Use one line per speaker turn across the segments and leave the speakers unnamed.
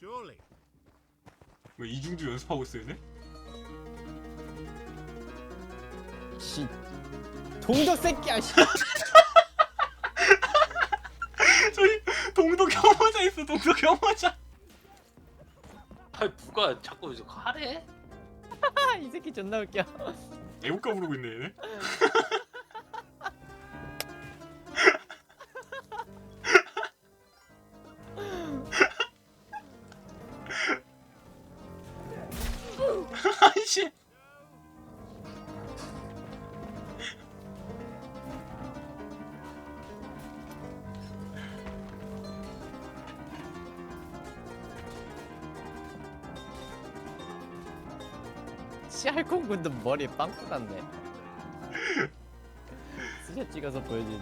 surely.
왜 이중주 연습하고 있어 얘네?
씨 동덕 새끼야 씨.
저기 동독 혐오자 있어. 동독 혐오자.
아니 누가 자꾸 이제 하래?
이 새끼 존나 웃겨.
애국가 부르고 있네 얘네. 아이씨.
씨알콩군도 머리에 빵꾸 났네. 스샷 찍어서 보여주지.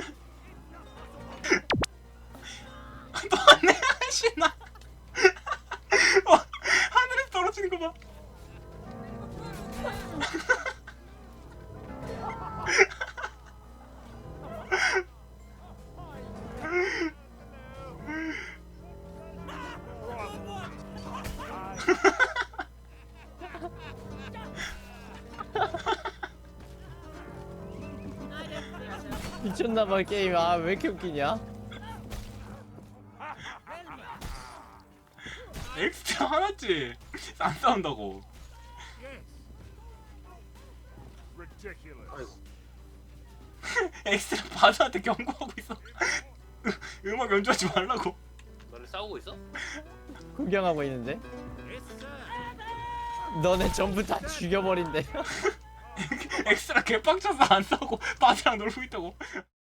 너네 신나. 하늘에서 떨어지는 거 봐.
미쳤나봐 게임. 아 왜 이렇게 웃기냐?
엑스트라 화났지? 안 싸운다고.
Yes. Ridiculous.
아이고
엑스트라 바드한테 경고하고 있어. 음악 연주하지 말라고.
너네 싸우고 있어?
구경하고 있는데?
Yes, sir.
너네 전부 다 죽여버린대.
엑스트라 개빡쳐서 안 싸우고 바드랑 놀고 있다고.